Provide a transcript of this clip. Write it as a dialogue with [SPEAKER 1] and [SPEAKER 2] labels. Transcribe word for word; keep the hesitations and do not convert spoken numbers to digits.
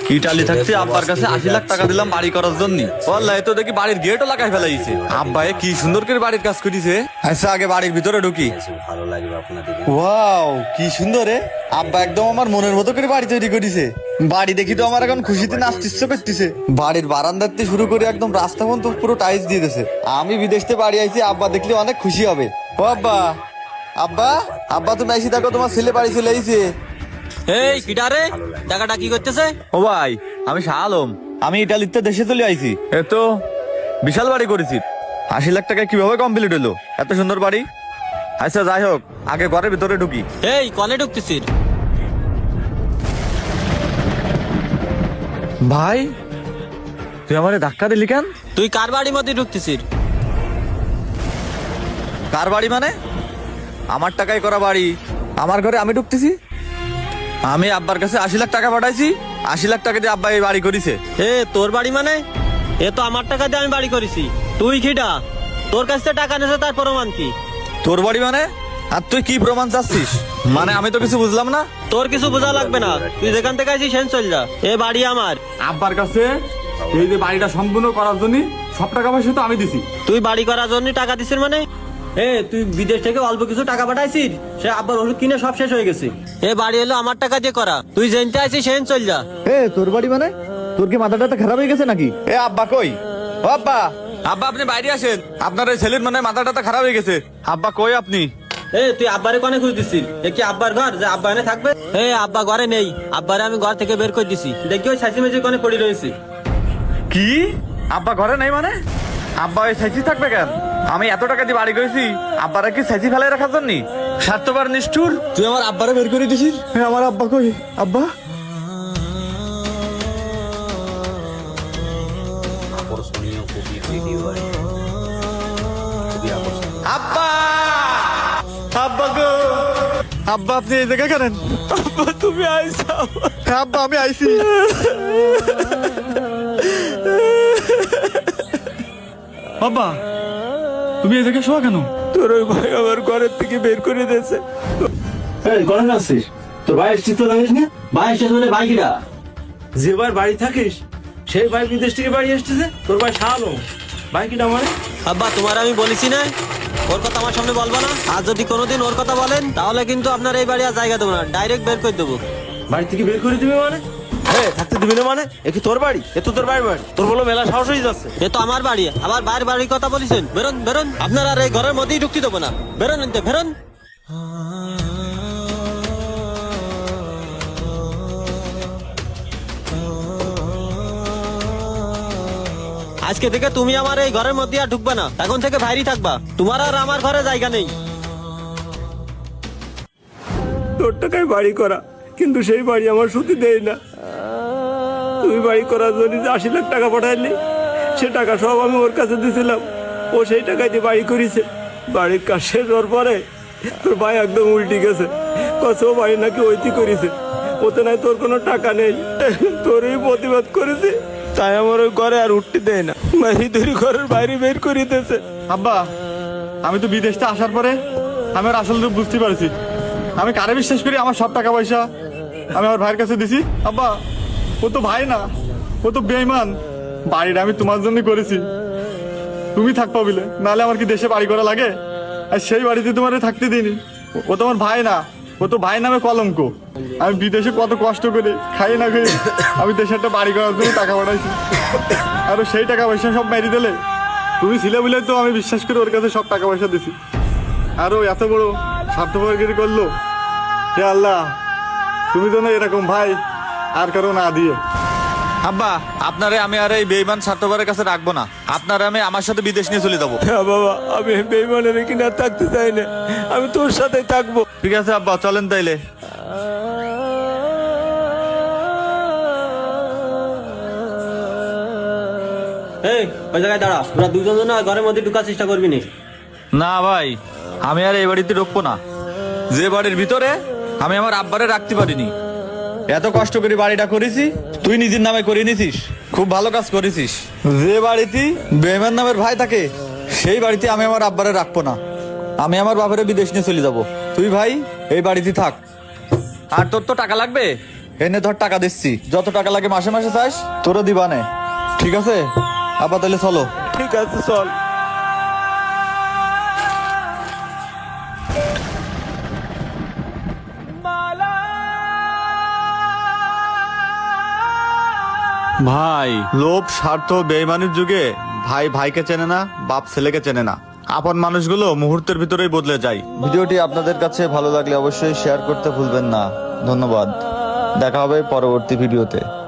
[SPEAKER 1] Italy থাকতে আব্বার কাছে আশি লাখ টাকা দিলাম বাড়ি করার জন্য। ওয়াল্লাহ তো দেখি বাড়ির গেটও লাগাই ফেলাইছে। আব্বা এ কি সুন্দর করে বাড়ির কাজ করিছে। আচ্ছা আগে বাড়ির ভিতরে ঢুকি।
[SPEAKER 2] ভালো লাগবে আপনাদের।
[SPEAKER 1] ওয়াও কি সুন্দর রে, আব্বা একদম আমার মনের মতো করে বাড়ি তৈরি করেছে। বাড়ি দেখি তো আমার এখন খুশিতে নাচতে ইচ্ছে করতেছে। বাড়ির বারান্দার থেকে শুরু করে একদম রাস্তা পর্যন্ত পুরো টাইলস দিয়ে দিয়েছে। আমি বিদেশ থেকে বাড়ি আইছি, আব্বা দেখলে অনেক খুশি হবে। ও আব্বা, আব্বা আব্বা তুমি আইসি দেখো, তোমার ছেলে বাড়ি চলে আইছে।
[SPEAKER 3] এই কিডারে টাকাটা কি করতেছে?
[SPEAKER 1] ও ভাই আমি শাহ আলম, আমি ইটালিতে দেশে চলে আইছি। এ তো বিশাল বাড়ি করেছি, আশি লাখ টাকা কিভাবে কমপ্লিট হলো এত সুন্দর বাড়ি। আচ্ছা যাই হোক, আগে ঘরের ভিতরে ঢুকি।
[SPEAKER 3] এই কনে ঢুকতেছিস?
[SPEAKER 1] ভাই তুই আমারে ধাক্কা দিলি কেন?
[SPEAKER 3] তুই কার বাড়ির মধ্যে ঢুকতেছিস?
[SPEAKER 1] কার বাড়ি মানে? আমার টাকায় করা বাড়ি, আমার ঘরে আমি ঢুকতেছি। আমি আব্বার কাছে আশি লাখ টাকা পাঠাইছি, আশি লাখ টাকা দিয়ে আব্বা এই বাড়ি করেছে।
[SPEAKER 3] এ তোর বাড়ি মানে? এ তো আমার টাকা দিয়ে আমি বাড়ি করেছি। তুই কিডা? তোর কাছ থেকে টাকা নিয়েছে তার প্রমাণ কি?
[SPEAKER 1] তোর বাড়ি মানে? আর তুই কি প্রমাণ চাচ্ছিস? মানে আমি তো কিছু বুঝলাম না।
[SPEAKER 3] তোর কিছু বোঝা লাগবে না, তুই যেখান থেকে আইছিস সেন চল যা। এ বাড়ি আমার।
[SPEAKER 4] আব্বার কাছে এই যে বাড়িটা সম্পূর্ণ করার জন্য সব টাকা পয়সা তো আমি দিছি।
[SPEAKER 3] তুই বাড়ি করার জন্য টাকা দিছিস মানে? এ তুই বিদেশ থেকে অল্প কিছু টাকা পাঠাইছিস, সে আব্বার ওষুধ কিনে সব শেষ হয়ে গেছে। এ বাড়ি হলো আমার টাকা দিয়ে করা, তুই যেনতে আইছিস সেন চল যা।
[SPEAKER 1] এ তোর বাড়ি মানে? তোর কি মাথাটা তো খারাপ হয়ে গেছে নাকি? এ আব্বা কই? ও আব্বা, আব্বা আপনি বাইরে আসেন, আপনার এই ছেলের মানে মাথাটা তো খারাপ হয়ে গেছে। আব্বা কই আপনি?
[SPEAKER 3] এ তুই আব্বারে কোনে খুঁজ দিছিস? এ কি আব্বার ঘর যে আব্বা এনে থাকবে? এ আব্বা ঘরে নেই, আব্বারে আমি ঘর থেকে বের করে দিছি। দেখি ওই ছাঁচি মেঝে কোনে পড়ে রয়েছে।
[SPEAKER 1] কি আব্বা ঘরে নেই মানে? আব্বা ওই সাইজি থাকবে কেন? আমি এত টাকা দিয়ে বাড়ি করেছি, আব্বারা কি সাইজি ফেলাই রাখার জন্য? স্বার্থবার নিষ্ঠুর, তুই আমার আব্বারে বের করে দিছিস। হ্যাঁ আমার আব্বা কই? আব্বা
[SPEAKER 2] আকর্ষণীয় খুবই ভিডিও আর খুবই আকর্ষণীয়।
[SPEAKER 1] আব্বা, আব্বা গো, আব্বা আপনি এই জায়গায় কেন? আব্বা তুমি আইসা? আব্বা আমি আইছি।
[SPEAKER 4] বাবা তুমি এই জায়গায় শোয়া কেন?
[SPEAKER 1] তোর ওই ভাই আমার ঘরের থেকে বের করে দিয়েছে।
[SPEAKER 5] ঘরে যাচ্ছিস? তোর ভাই এসছিস তো জানিস না? ভাই এসছিস বলে ভাই কিরা? যে ভাই বাড়ি থাকিস সেই ভাই বিদেশ থেকে বাড়ি এসতেছে। তোর ভাই শাহালো ভাই কিটা মানে?
[SPEAKER 3] আব্বা তোমার আমি বলেছি না ওর কথা আমার সামনে বলবো না। আর যদি কোনোদিন ওর কথা বলেন তাহলে কিন্তু আপনার এই বাড়ি আর জায়গা দেবো না, ডাইরেক্ট বের করে দেবো।
[SPEAKER 5] বাড়ি থেকে বের করে দিবি মানে? হ্যাঁ থাকতে দিবি না মানে? এ কি তোর বাড়ি? এ তো তোর বাড়ির বাড়ি। তোর বলো মেলা সাহস হয়ে যাচ্ছে।
[SPEAKER 3] এ তো আমার বাড়ি, আবার বাইরের বাড়ির কথা বলেছেন। বেরোন বেরোন, আপনার আর এই ঘরের মধ্যেই ঢুকতে দেবো না। বেরোন এনতে বেরোন। আজকে থেকে তুমি আমার এই ঘরের মধ্যে আর ঢুকবে না, এখন থেকে বাইরেই থাকবা। তোমার আর আমার ঘরে জায়গা নেই।
[SPEAKER 5] তোর টাকায় বাড়ি করা, কিন্তু সেই বাড়ি আমার সুতি দেয় না। তুই বাড়ি করার জন্য যে আশি লাখ টাকা পাঠাইলি, সে টাকা সব আমি ওর কাছে দিয়েছিলাম। ও সেই টাকায় দিয়ে বাড়ি করেছে। বাড়ির কাজ শেষ হওয়ার পরে তোর ভাই একদম উল্টি গেছে, কত বাড়ি নাকি ওইটি করেছে। ওতে নাই তোর কোনো টাকা নেই। তোরই প্রতিবাদ করেছে, তাই আমার ওই ঘরে আর উঠতে দেয় না। মারি ধরি ঘরের বাইরে বের করে দিতেছে।
[SPEAKER 4] আব্বা আমি তো বিদেশটা আসার পরে আমি আর আসল রূপ বুঝতে পারছি। আমি কারে বিশ্বাস করি? আমার সব টাকা পয়সা আমি আমার ভাইয়ের কাছে দিছি। আব্বা ও তো ভাই না, ও তো বেঈমান। বাড়িটা আমি তোমার জন্য করেছি, তুমি থাকবা বলে, নাহলে আমার কি দেশে বাড়ি করা লাগে? আর সেই বাড়িতে তোমার থাকতে দিইনি। ও তোমার ভাই না, ও তো ভাই নামে কলঙ্ক। আমি বিদেশে কত কষ্ট করে খাই না খাই আমি দেশে একটা বাড়ি করার জন্য টাকা পাঠাইছি, আর ও সেই টাকা পয়সা সব মেরে দিলে। তুমি ছিলে বলে তো আমি বিশ্বাস করে ওর কাছে সব টাকা পয়সা দিছি, আর ও এত বড় স্বার্থপরগিরি করলো। হে আল্লাহ, তুমি যেন এরকম ভাই আর কারো না দিয়ে।
[SPEAKER 1] আব্বা আপনারে আমি আর এই বেঈমান স্বার্থপরের কাছে রাখবো না, আপনারা আমি আমার সাথে বিদেশ নিয়ে চলে যাবো।
[SPEAKER 5] হ্যাঁ বাবা, আমি বেইমানের কিনা থাকতে চাই না, আমি তোর সাথে থাকবো।
[SPEAKER 1] ঠিক আছে আব্বা চলেন তাইলে।
[SPEAKER 3] এই ওই জায়গায় দাঁড়া, তোরা দুজন জন ঘরের মধ্যে ঢুকার চেষ্টা করবি না।
[SPEAKER 1] না ভাই, আমি আর এই বাড়িতে ঢুকবো না। যে বাড়ির ভিতরে আমি আমার আব্বারে রাখতে পারিনি, এত কষ্ট করে বাড়িটা করেছি, তুই নিজের নামে করে নিছিস, খুব ভালো কাজ করেছিস। যে বাড়িতে বেঈমান নামের ভাই থাকে সেই বাড়িতে আমি আমার আব্বারে রাখবো না। আমি আমার বাবারে বিদেশ নিয়ে চলে যাব। তুই ভাই এই বাড়িতে থাক। আর তোর তো টাকা লাগবে, এনে ধর টাকা দিচ্ছি, যত টাকা লাগে মাসে মাসে চাস তোরও দিবানে। ঠিক আছে আব্বা, তাহলে চলো।
[SPEAKER 5] ঠিক আছে চল।
[SPEAKER 1] ভাই
[SPEAKER 4] লোভ, স্বার্থ, বেইমানির যুগে ভাই ভাইকে চেনে না, বাপ ছেলেকে চেনে না। আপন মানুষগুলো মুহূর্তের ভিতরেই বদলে যায়। ভিডিওটি আপনাদের কাছে ভালো লাগলে অবশ্যই শেয়ার করতে ভুলবেন না। ধন্যবাদ, দেখা হবে পরবর্তী ভিডিওতে।